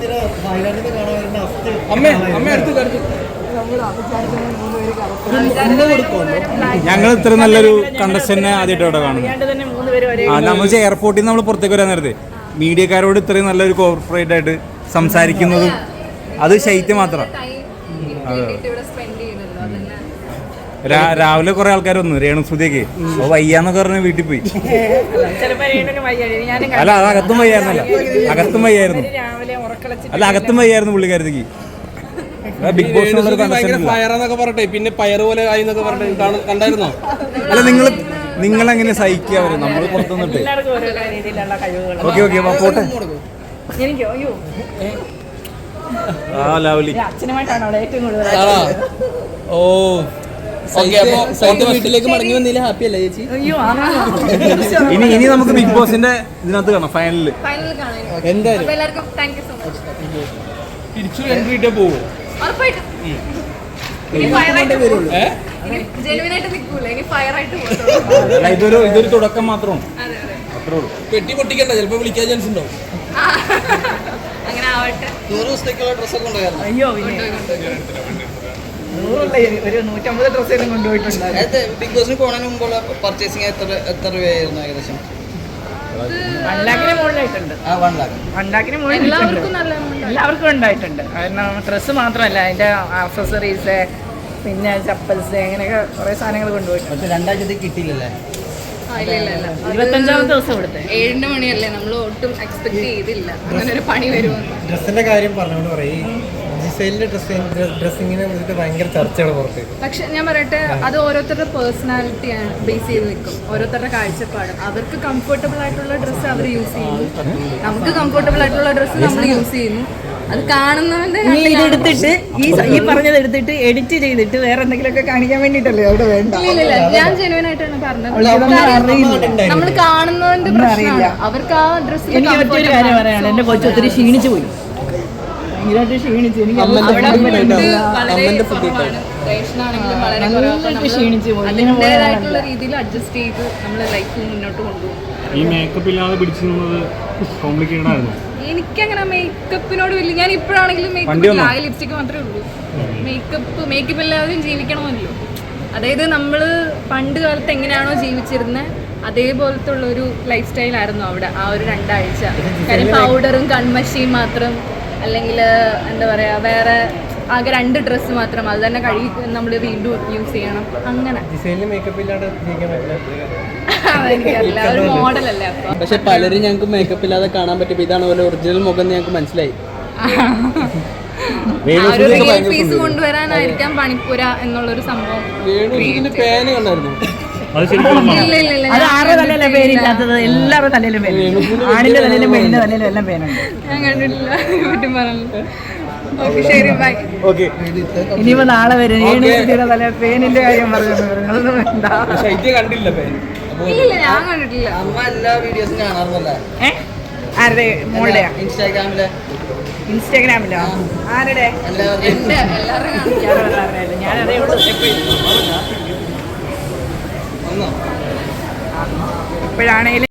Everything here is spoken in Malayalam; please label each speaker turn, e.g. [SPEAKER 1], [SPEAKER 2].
[SPEAKER 1] ഞങ്ങൾ ഇത്ര നല്ലൊരു കണ്ടസ്റ്റന്റിനെ ആദ്യമായിട്ട് ഇവിടെ കാണുന്നു. നമ്മൾ എയർപോർട്ടിൽ നിന്ന് നമ്മൾ പുറത്തേക്ക് വരാൻ നേരത്തെ മീഡിയക്കാരോട് ഇത്രയും നല്ലൊരു കോർപ്പറേറ്റ് ആയിട്ട് സംസാരിക്കുന്നതും അത് ശൈത്യം മാത്രം. രാവിലെ കുറെ ആൾക്കാർ വന്നു രേണുസുതിയൊക്കെ വയ്യാന്നൊക്കെ പറഞ്ഞ് വീട്ടിൽ പോയി. അല്ല അത് അകത്തും വയ്യായിരുന്നല്ല, അകത്തും വയ്യായിരുന്നു. അല്ല അകത്തും വയ്യായിരുന്നു പുള്ളിക്കാരത്തേക്ക്. ബിഗ് ബോസിനുള്ളൊരു പറഞ്ഞിട്ട് പിന്നെ പയർ പോലെ കണ്ടായിരുന്നോ? അല്ല നിങ്ങൾ എങ്ങനെ സഹിക്കുക അവര്? നമ്മൾ പുറത്തുനിന്നിട്ട് ഓക്കെ ഓക്കെ പോട്ടെ. ആ ലവ്ലി ഓ വീട്ടിലേക്ക് മടങ്ങി വന്നില്ല. ഹാപ്പി അല്ലേ ചേച്ചി? ഇനി നമുക്ക് ബിഗ് ബോസിന്റെ ഇതിനകത്ത് കാണാം, ഫൈനലില് എന്തായാലും തിരിച്ചു എൻട്രി ഇട്ടേ പോവോ? ഇതൊരു തുടക്കം മാത്രമാണ്. പെട്ടി പൊട്ടിക്കണ്ട, ചിലപ്പോ വിളിക്കാൻ ചാൻസ് ഉണ്ടോ? നൂറ് ദിവസത്തേക്കുള്ള ഡ്രസ്സൊക്കെ കൊണ്ടുപോയായിരുന്നു. അയ്യോ ഒരു 150 ഡ്രസ്സെല്ലാം കൊണ്ടുപോയിട്ടുണ്ട്. ബിഗ് ബോസിന് പോകുന്നതിന് മുമ്പുള്ള പർച്ചേസിങ് എത്ര രൂപയായിരുന്നു ഏകദേശം? 1 ലാഖിന് മുകളിലായിട്ടുണ്ട്. എല്ലാവർക്കും ഉണ്ടായിട്ടുണ്ട്. കാരണം ഡ്രസ്സ് മാത്രമല്ല, അതിന്റെ ആക്സസറീസ്, പിന്നെ ചപ്പൽസ്, അങ്ങനെയൊക്കെ കുറെ സാധനങ്ങൾ കൊണ്ടുപോയിട്ടുണ്ട്. 2 കിട്ടിയില്ലല്ലേ? 25ാമത്തെ ദിവസം ഇവിടുത്തെ 7 മണിയല്ലേ, നമ്മൾ ഒട്ടും എക്സ്പെക്ട് ചെയ്തില്ല അങ്ങനെ ഒരു പണി വരുമെന്ന്. ഡ്രസ്സിന്റെ കാര്യം പറഞ്ഞോണ്ട് പറയും, ഡ്രസ്സിങ്ങിനെ കുറിച്ചിട്ട് ഭയങ്കര ചർച്ചയാണ് പുറത്ത്. പക്ഷെ ഞാൻ പറയട്ടെ, അത് ഓരോരുത്തരുടെ പേഴ്സണാലിറ്റിയാണ് ബേസ് ചെയ്ത് നിൽക്കും, ഓരോരുത്തരുടെ കാഴ്ചപ്പാട്. അവർക്ക് കംഫർട്ടബിൾ ആയിട്ടുള്ള ഡ്രസ്സ് അവർ യൂസ് ചെയ്യുന്നു, നമുക്ക് കംഫർട്ടബിൾ ആയിട്ടുള്ള ഡ്രസ്സ് നമ്മൾ യൂസ് ചെയ്യുന്നു. അത് കാണുന്നവന്റെ ഇതെടുത്തിട്ട് ഈ പറഞ്ഞത് എടുത്തിട്ട് എഡിറ്റ് ചെയ്തിട്ട് വേറെ എന്തെങ്കിലുമൊക്കെ കാണിക്കാൻ വേണ്ടിട്ടല്ലേ അവിടെ വേണ്ട. ഇല്ല, ഞാൻ ജെനുവിൻ ആയിട്ടാണ് പറഞ്ഞത്. നമ്മൾ കാണുന്നതിന്റെ പ്രശ്നമാണ്, അവർക്ക് ആ ഡ്രസ്സിൽ. എനിക്ക് മറ്റൊരു കാര്യം പറയാണ്, എന്റെ കൊച്ചു ഒത്തിരി ക്ഷീണിച്ചു പോയി. ക്ഷീണിച്ചു, എനിക്ക് അതിൻ്റെതായിട്ടുള്ള രീതിയിൽ അഡ്ജസ്റ്റ് ചെയ്ത് നമ്മളെ ലൈഫ് മുന്നോട്ട് കൊണ്ടുപോകും. ഈ മേക്കപ്പ് ഇല്ലാതെ പിടിച്ചിരുന്നത് കോംപ്ലിക്കേറ്റഡ് ആയിരുന്നു. എനിക്കങ്ങനെ മേക്കപ്പിനോട് വലിയ, ഞാൻ ഇപ്പോഴാണെങ്കിലും മേക്കപ്പ് ആയ ലിപ്സ്റ്റിക്ക് മാത്രമേ ഉള്ളൂ. മേക്കപ്പ് ഇല്ലാതെയും ജീവിക്കണമല്ലോ. അതായത് നമ്മൾ പണ്ട് കാലത്ത് എങ്ങനെയാണോ ജീവിച്ചിരുന്നത് അതേപോലത്തെ ഉള്ളൊരു ലൈഫ് സ്റ്റൈലായിരുന്നു അവിടെ ആ ഒരു 2 ആഴ്ച. കാര്യം പൗഡറും കൺമഷിയും മാത്രം, അല്ലെങ്കിൽ എന്താ പറയുക, വേറെ ആകെ 2 ഡ്രസ്സ് മാത്രം, അത് തന്നെ കഴുകി നമ്മൾ വീണ്ടും യൂസ് ചെയ്യണം. അങ്ങനെ എനിക്കറിയില്ല, ഒരു മോഡലല്ലേ. അപ്പം പക്ഷെ പലരും ഞങ്ങൾക്ക് മേക്കപ്പ് ഇല്ലാതെ കാണാൻ പറ്റും. ഇതാണ് പോലെ ഒറിജിനൽ മുഖം ഞങ്ങൾക്ക് മനസ്സിലായി. ഒരു റിയൽ പീസ് കൊണ്ടുവരാനായിരിക്കാം പണിപ്പുര എന്നുള്ളൊരു സംഭവം. ആരുടെ തലയിലെ പേരില്ലാത്തത്? എല്ലാവരുടെ തലയിലും പേര്, ആണിന്റെ തലയിലും പെണ്ണിന്റെ തലയിലും എല്ലാം പേരുണ്ട്. ഞാൻ കണ്ടിട്ടില്ല, പറ്റും പറഞ്ഞു. ശരി, ബൈ. ഇനിയിപ്പോ നാളെ വരും തല പേനിന്റെ കാര്യം പറഞ്ഞു. ഇല്ല, ഞാൻ കണ്ടിട്ടില്ല. അമ്മ എല്ലാ വീഡിയോസും കാണാറുണ്ടല്ലേ? ആരുടെ? മോളുടെ ഇൻസ്റ്റാഗ്രാമിലോ? ആരുടെ? ഞാനതേ ഇപ്പോഴാണേലും